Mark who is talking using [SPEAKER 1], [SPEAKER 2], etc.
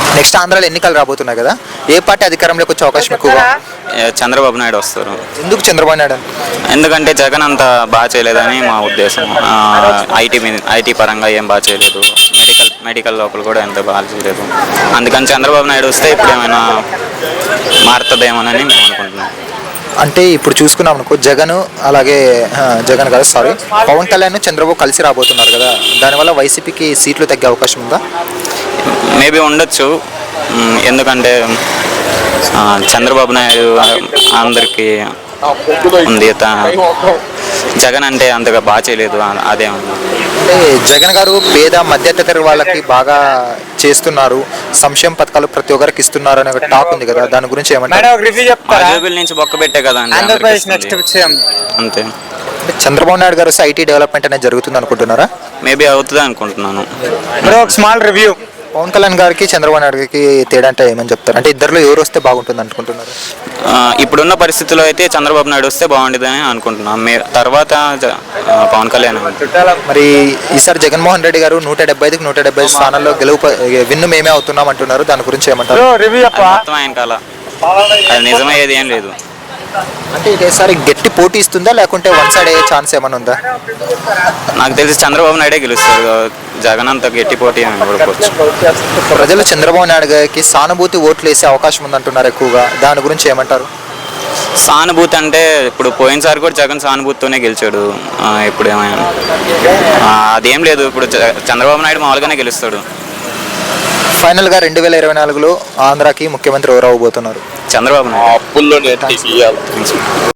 [SPEAKER 1] Next ఆంధ్రాలో ఎన్నికలు రాబోతున్నాయి కదా, ఏ పార్టీ అధికారంలోకి వచ్చే అవకాశం ఎక్కువగా?
[SPEAKER 2] చంద్రబాబు నాయుడు వస్తారు.
[SPEAKER 1] ఎందుకు చంద్రబాబు నాయుడు?
[SPEAKER 2] ఎందుకంటే జగన్ అంత బాగా చేయలేదని మా ఉద్దేశం. ఐటీ పరంగా ఏం బాగా చేయలేదు, మెడికల్ లోపల కూడా ఎంత బాగా చేయలేదు. అందుకని చంద్రబాబు నాయుడు వస్తే ఇప్పుడు ఏమైనా మారుతుందేమోనని మేము అనుకుంటున్నాం.
[SPEAKER 1] అంటే ఇప్పుడు చూసుకున్నాం అనుకో, జగన్ కాదు సారీ పవన్ కళ్యాణ్ చంద్రబాబు కలిసి రాబోతున్నారు కదా, దానివల్ల వైసీపీకి సీట్లు తగ్గే అవకాశం ఉందా?
[SPEAKER 2] మేబీ ఉండొచ్చు. ఎందుకంటే చంద్రబాబు నాయుడు అందరికీ ఉంది, జగన్ అంటే అంతగా బాగా చేయలేదు. అదే
[SPEAKER 1] అంటే జగన్ గారు పేద మధ్యతరగతి వాళ్ళకి బాగా చేస్తున్నారు, సంక్షేమ పథకాలు ప్రతి ఒక్కరికి ఇస్తున్నారు అనే టాక్ ఉంది కదా, దాని గురించి ఏమంటారు?
[SPEAKER 2] జోబుల నుంచి బొక్క పెట్టే కదా అంతే.
[SPEAKER 1] చంద్రబాబు నాయుడు గారు ఐటీ డెవలప్మెంట్ అనేది జరుగుతుంది అనుకుంటున్నారా?
[SPEAKER 2] మేబీ అవుతుంది అనుకుంటున్నాను.
[SPEAKER 1] Small review. పవన్ కళ్యాణ్ గారికి చంద్రబాబు నాయుడు గారికి తేడా అంటే ఏమని చెప్తారు? అంటే ఇద్దరిలో ఎవరు వస్తే బాగుంటుంది అనుకుంటున్నారు?
[SPEAKER 2] ఇప్పుడున్న పరిస్థితుల్లో అయితే చంద్రబాబు నాయుడు వస్తే బాగుంటుందని అనుకుంటున్నాం. తర్వాత పవన్ కళ్యాణ్.
[SPEAKER 1] మరి ఈసారి జగన్మోహన్ రెడ్డి గారు 175కి 175 స్థానాల్లో విన్ను మేమే అవుతున్నాం అంటున్నారు, దాని గురించి ఏమంటారు?
[SPEAKER 2] మొత్తం ఆయన కాల అది నిజమయ్యేది ఏం లేదు.
[SPEAKER 1] అంటే ఈసారి గట్టి పోటీ ఇస్తుందా, లేకుంటే వన్ సైడ్ అయ్యే ఛాన్స్ ఏమైనా ఉందా?
[SPEAKER 2] నాకు తెలిసి చంద్రబాబు నాయుడే గెలుస్తారు, జగన్ అంత గట్టి పోటీ అనుకోవచ్చు.
[SPEAKER 1] ప్రజలు చంద్రబాబు నాయుడు గారికి సానుభూతి ఓట్లు వేసే అవకాశం ఉందంటున్నారు ఎక్కువగా, దాని గురించి ఏమంటారు?
[SPEAKER 2] సానుభూతి అంటే ఇప్పుడు పోయినసారి కూడా జగన్ సానుభూతితోనే గెలిచాడు. ఇప్పుడు ఏమైనా అదేం లేదు, ఇప్పుడు చంద్రబాబు నాయుడు మామూలుగానే గెలుస్తాడు.
[SPEAKER 1] ఫైనల్గా 2024లో ఆంధ్రాకి ముఖ్యమంత్రి ఎవరు అవ్వబోతున్నారు?
[SPEAKER 2] చంద్రబాబు నాయుడు.